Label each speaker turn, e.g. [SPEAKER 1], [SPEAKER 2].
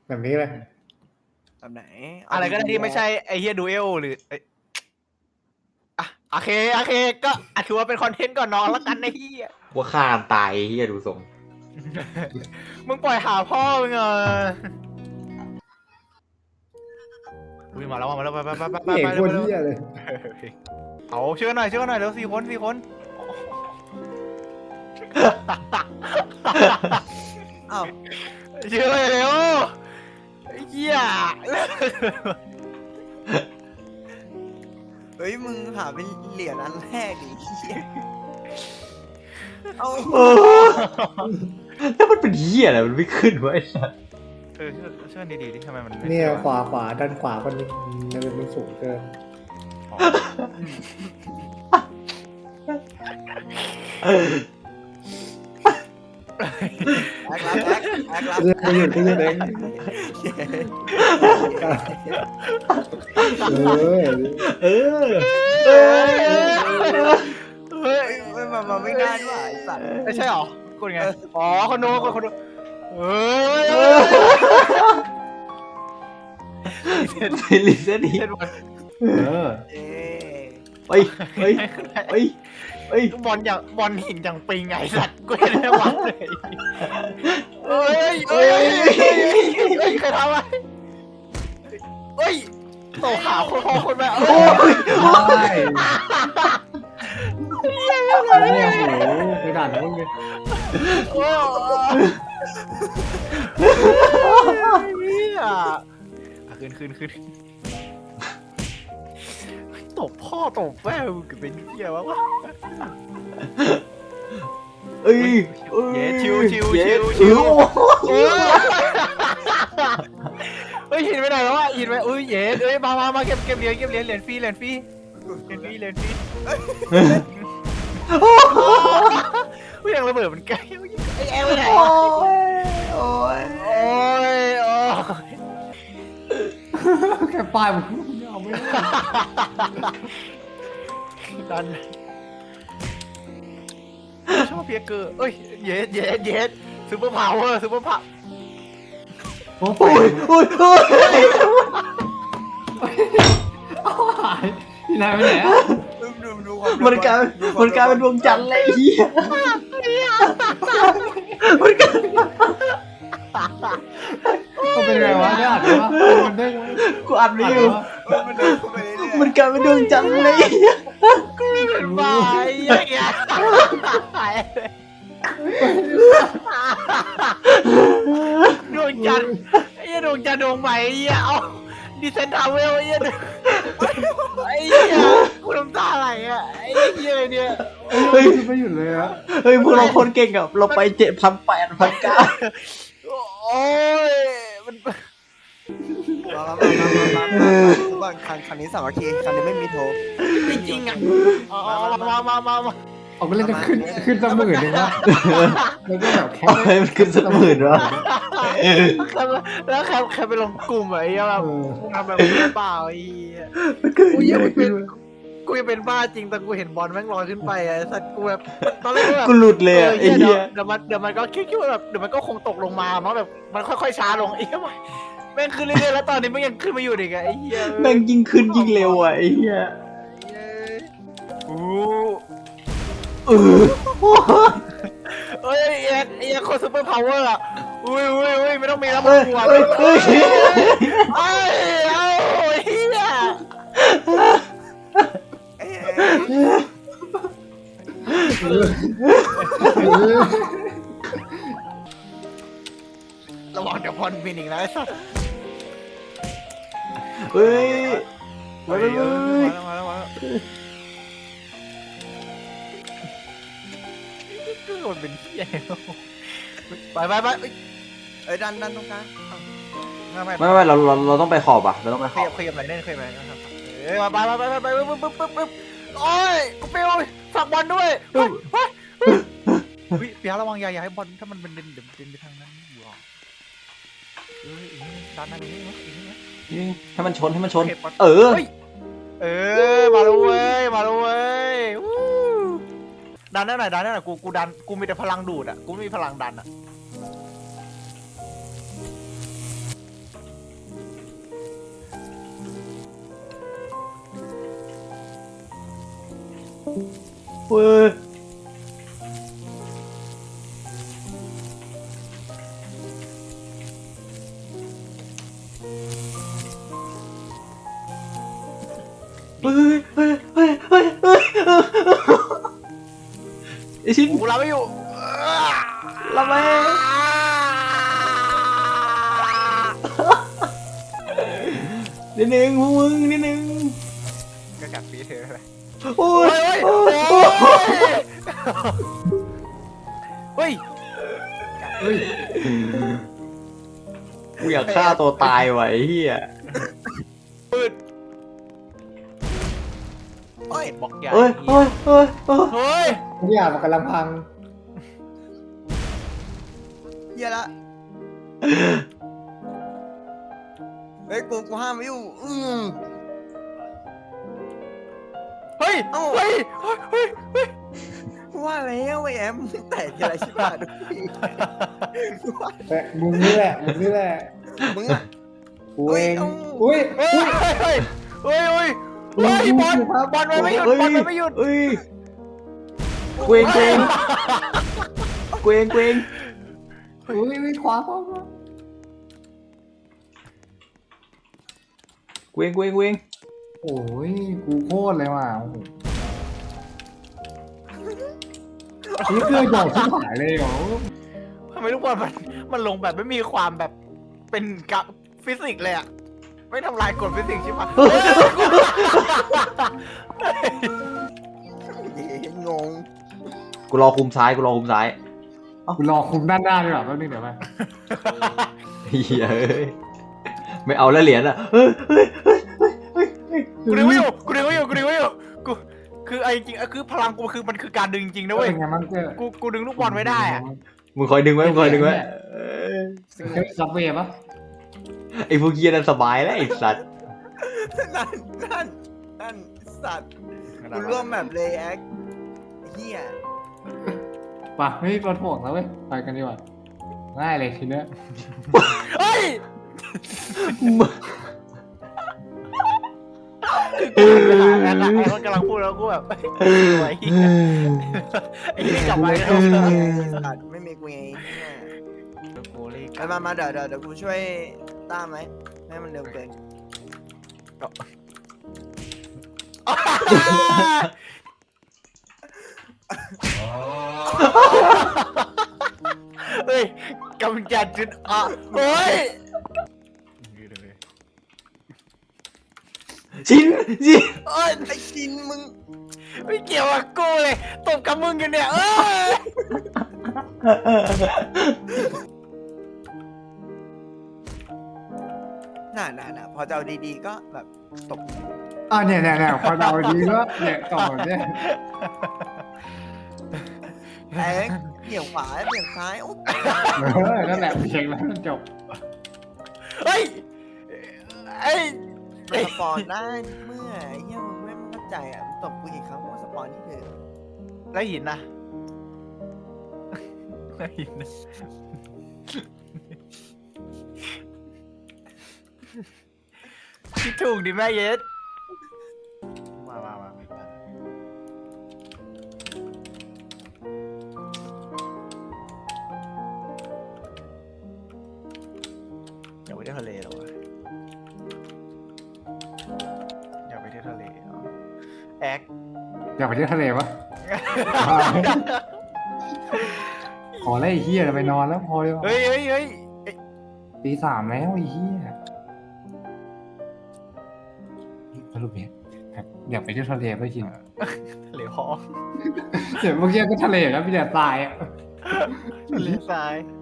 [SPEAKER 1] แบบนี้เลย
[SPEAKER 2] แบบไหน
[SPEAKER 3] อะไรก็ได้ที่ไม่ใช่ไอเฮียดูเอลหรืออ่ะโอเคก็ถือว่าเป็นคอนเทนต์ก่อนนอนแล้วกันไอ้เฮีย
[SPEAKER 4] ว่าฆ่ากันตายเฮียดูทรง
[SPEAKER 3] มึงปล่อยหาพ่อมึงอุ้ยมาแล้วไป
[SPEAKER 1] เอกคน
[SPEAKER 3] เร็ว
[SPEAKER 1] เหี้ยเลย
[SPEAKER 3] เอาเชื่อหน่อยเร็ว4 คน
[SPEAKER 2] อ้าว
[SPEAKER 3] เชื่อเร็วไอ้เหี้ย
[SPEAKER 2] เฮ้ยมึงหาเป็นเหรียญอันแรกดิเหี้ยเอา
[SPEAKER 4] แล้วมันเป็นเฮียอะไรมันไม่ขึ้นวะไอ้สัส
[SPEAKER 3] เชื่อดีดิทำไมมัน
[SPEAKER 1] เนี่ยขวาด้านขวาคนนี้มันสูงเกิน
[SPEAKER 2] แอคลับ
[SPEAKER 1] เรื่องไปอยู่ที่นี่เองเออ
[SPEAKER 4] เออ
[SPEAKER 3] เฮ้ย
[SPEAKER 2] เฮ้ยมันไม่ได้ด้วยไอ้สัตว์
[SPEAKER 3] ไม่ใช่หรอคนไงอ๋อคนดูเฮ้ย
[SPEAKER 4] ลิเซนอี
[SPEAKER 3] เล่นบอล
[SPEAKER 1] เออ
[SPEAKER 2] เอ๊ะ
[SPEAKER 4] เฮ้ย
[SPEAKER 3] บอลหินอย่างปิงไงสัตว์กูเห็นได้วัดเลยเฮ้ยใครทำอะไรเฮ้ยโตขาวคนแบบ
[SPEAKER 4] โอ้ย
[SPEAKER 1] ใช่เนี่ยโหไปด่านนู้นเลย
[SPEAKER 3] โอ้ยขึ้นตบพ่อตบแม่มึงเป็นเหี้ยวะ
[SPEAKER 4] เอ้ย
[SPEAKER 3] เย้ชิว เฮ้ยหินไปไหนแล้ววะหินไปอุ้ยเย้เอ้ยมาเก็บเหรียญฟรีอุ้ยยังระเบิดมันใกล้ไอ้แอลไปไหน
[SPEAKER 4] โอ้
[SPEAKER 3] วะ
[SPEAKER 4] ยโอ้ย
[SPEAKER 3] โอ้ย
[SPEAKER 1] แค่ป้ายมันเอาไม่ได้
[SPEAKER 3] ดันชอบเพียเกอร์เอ้ยเย็ดซูเปอร์พาวเวอร์
[SPEAKER 1] โอ้
[SPEAKER 4] โอ้ยโอ้ย
[SPEAKER 1] หายที่ไหนไปไหนอ่ะ
[SPEAKER 2] ดูความ
[SPEAKER 4] มันกลายเป็นดวงจันทร์เลยเฮียมันกลาย
[SPEAKER 1] มันเป็นไงวะเนี่ยอ่านวะมันได้ไหม
[SPEAKER 4] กูอัดไม่อยู่
[SPEAKER 2] มันเดินเข้าไปเรื่อยๆ
[SPEAKER 4] มันกลายเป็นดวงจันทร์เลย
[SPEAKER 3] เป็นบ้าอย่างเงี้ยดวงจันทร์ไอ้เหี้ยดวงจันทร์ดวงใหม่ไอ้เหี้ยเอาดิเซนทาวเวลไอ้เหี้ยไอ้เหี้ยกูน้ำตาไหลอ่ะไอ้เหี้ยเนี่ย
[SPEAKER 4] เฮ้ย
[SPEAKER 1] ไม่หยุดเลยอะ
[SPEAKER 4] เฮ้ยพวกเราคนเก่งอะเราไป7,800
[SPEAKER 3] โอ้ยมัน
[SPEAKER 2] มาคันนี้สามัคคีคันนี้ไม่มีโทร
[SPEAKER 3] จริงๆอ่ะมา
[SPEAKER 1] เอาไปเล่นจะขึ้นสักหมื่นหนึ่งวะแล้วก็แบบแค่
[SPEAKER 4] เอาให้มันขึ้นสักหมื่นวะ
[SPEAKER 3] แล้วใครไปลงกลุ่มไอ้เหี้ยแบบทำแบบนี้เปล่าไอ้เหี้ย
[SPEAKER 4] มันขึ้น
[SPEAKER 3] กูยังเป็นบ้าจริงแต่กูเห็นบอลแม่งลอยขึ้นไปไอ้สัตว์กูแบบตอนแรกก็แบบ
[SPEAKER 4] กูหลุดเลยอะไอ้เหี้ย
[SPEAKER 3] เดี๋ยวมันก็คิดว่าแบบเดี๋ยวมันก็คงตกลงมามั้งแบบมันค่อยๆช้าลงไอ้เหี้ยแม่งขึ้นเรื่อยๆแล้วตอนนี้มันยังขึ้นมาอยู่อีกไอ้เหี้ย
[SPEAKER 4] แม่งยิ่งขึ้นยิ่งเร็วอะไอ้เหี้ย
[SPEAKER 3] โอ้
[SPEAKER 4] เออ
[SPEAKER 3] เอ้ยไอ้โคซูเปอร์พาวเวอร์อ่ะอุ้ยไม่ต้องมีแล้วมึ
[SPEAKER 4] เอ้
[SPEAKER 3] ง
[SPEAKER 4] ย
[SPEAKER 3] กลัว
[SPEAKER 4] เอ้ยเอ้ย
[SPEAKER 3] เอ้ยเอาเฮีย
[SPEAKER 2] เอ๊ะ
[SPEAKER 3] ระวังเดี๋ยวพรบินอีกนะไอ้สัส
[SPEAKER 4] เฮ้ย
[SPEAKER 3] มาแล้วโดนเป็นเฮียไป
[SPEAKER 2] เอ้ยดันตรงกลาง
[SPEAKER 4] ไม่เราต้องไปขอบอะเราต้องไปขอบ
[SPEAKER 3] ขยับไหนเล่นขยับไหนนะครับเอ้ยไปปึ๊บโอ้ยกูเปรี้ยวฝากบอลด้วยเฮ้ยเปียระวังอย่าให้บอลถ้ามันเป็นเดินไปทางนั้นอยู่อ่ะด้านนั้นนี่มั้ย
[SPEAKER 4] ให้มันชน เออ
[SPEAKER 3] มาแล้วเว้ยดันได้หน่อยกูดันกูมีแต่พลังดูดอ่ะกูไม่มีพลังดันอ่ะ
[SPEAKER 4] เว้ยเฮ้ยเฮ้ยเฮ้ยเฮ้ยเฮ้ยไอชิ้น
[SPEAKER 3] กูรับไม่อยู่
[SPEAKER 4] ละแม่นิดนึงพวกมึงนิดนึง
[SPEAKER 3] ก็กัดปีเธอเลย
[SPEAKER 4] โอ้ย
[SPEAKER 3] โอ้ย
[SPEAKER 4] โอ้ย
[SPEAKER 3] เฮ้ย
[SPEAKER 1] เฮ้ย
[SPEAKER 4] กูอยากฆ่าตัวตายว่ะไอ้เหี้ย
[SPEAKER 3] ปืน
[SPEAKER 2] โอ้ย
[SPEAKER 3] บล็อกใหญ่
[SPEAKER 4] เฮ้ยเฮ้ยเฮ้ยเฮ้ย
[SPEAKER 3] เฮ้ย
[SPEAKER 1] ทุกอย่างมันกำลังพัง
[SPEAKER 2] เฮียละเฮ้ยกูห้ามไม่อยู่
[SPEAKER 3] เฮ้ย
[SPEAKER 2] เอ้า
[SPEAKER 3] เฮ้ยเฮ้ยเฮ้ย
[SPEAKER 2] ว่าแล้วไอ้แอมแตกอะไรชิบหายทุกที
[SPEAKER 1] แต่มึงนี่แหละมึงนี่แหละ
[SPEAKER 2] มึงอะ
[SPEAKER 1] กูเอง
[SPEAKER 2] เฮ้ย
[SPEAKER 1] อุ้ย
[SPEAKER 3] เฮ้ยเฮ้ยเฮ้ยเฮ้ยเฮ้ยบอลบอลมันไม่หยุดบอลมันไม่หยุด
[SPEAKER 4] เฮ้ยเกวงเกวงเกวงเกวง
[SPEAKER 1] อุ้ยขวาขวา
[SPEAKER 4] เกวงเกวงเกวง
[SPEAKER 1] โอ้ยกูโคตรเลยว่ะโอ้โหนี่เกลือหยอกชิบหายเลยเหรอ
[SPEAKER 3] ทำไมทุกบอลมันลงแบบไม่มีความแบบเป็นกับฟิสิกส์เลยอะไม่ทำลายกฎฟิสิกส์ใช่ปะ
[SPEAKER 2] งง
[SPEAKER 4] กูรอคุมซ้ายกูรอคุมซ้าย
[SPEAKER 1] กูรอคุมด้านหน้าดีกว่าแป๊บนึงเดี๋ยวไป
[SPEAKER 4] เฮ้ยเอ้ยไม่เอาแล้วเหรียญอ่ะเฮ้ยเฮ้ยเฮ้ยเฮ้ยเฮ้ย
[SPEAKER 3] กูดึงไม่อยู่กูดึงไม่อยู่กูดึงไม่อยู่กูคือไอ้จริงๆคือพลังกูคือมันคือการดึงจริงนะเว้ย
[SPEAKER 1] เป็นไงมันเกลือ
[SPEAKER 3] กูดึงลูกบอลไว้ได้อะ
[SPEAKER 4] มึงคอยดึงไว้มึงคอยดึงไว้เออ
[SPEAKER 1] ซับเวย์ปะ
[SPEAKER 4] ไอ้พวกเหี้ยนั่นสบายแล้วไอ้สัตว์
[SPEAKER 2] นั่นสัตว์กูร่วมแบบเลยแอคเฮีย
[SPEAKER 1] ป่ะเฮ้ยรถห่วงแล้วเว้ยไปกันดีกว่าง่ายเลยทีเนี้ย
[SPEAKER 3] เฮ้ยไอ้คนกำลังพูดแล้วกูแบบไอ้เหี้ยไอ้ที่กลับมาแล้ว
[SPEAKER 2] สัตว์ไม่มีกูไงเฮีย
[SPEAKER 3] กูเลย
[SPEAKER 2] ไปมาเดี๋ยวกูช่วยต้ามไหมไม่ให้มันเร็วเกิน
[SPEAKER 3] เฮ้ยกำจัดจุดอ่ะเฮ้ย
[SPEAKER 4] ชิ้นชิ้น
[SPEAKER 2] เอ้ยไอ้ชินมึง
[SPEAKER 3] ไม่เกี่ยวกับกูเลยตบกับมึงกันเนี่ยเอ้ย
[SPEAKER 2] น่าพอจะเอาดีๆก็แบบตบ
[SPEAKER 1] เนี่ยพอเราดีก็เนี่ยต่อเนี่ย
[SPEAKER 2] แอ๊กเบี่ยงขวาเบี่ยงซ้ายโอ้
[SPEAKER 1] นั่นแหละเพลงแล้วมันจบ
[SPEAKER 3] เฮ้ยไอ้
[SPEAKER 2] มันสปอนได้เมื่อไอ้เหี้ยมึงไม่เข้าใจอ่ะมึงตบกูกี่ครั้งว่าสปอนนี่คือ
[SPEAKER 3] แล้วหินนะแล้วหินนะคิดถูกดิแม่เย็ดมาอยากไปเที่ยวทะเลเหรอวะอยากไปเที่ยวทะเลเหรอแอ๊ก
[SPEAKER 1] อยากไปเที่ยวทะเลปะขอไล่ไอ้เฮียไปนอนแล้วพอเลย
[SPEAKER 3] เฮ้ย
[SPEAKER 1] ตีสามแล้วไอ้เฮียสรุปเนี่ยอยากไปเที่ยวทะเลไปกิน
[SPEAKER 3] ทะเลพอ
[SPEAKER 1] เดี๋ยวเมื่อกี้ก็ทะเลแล้วมีแต่ทรายอ่ะ
[SPEAKER 3] ทะเลทราย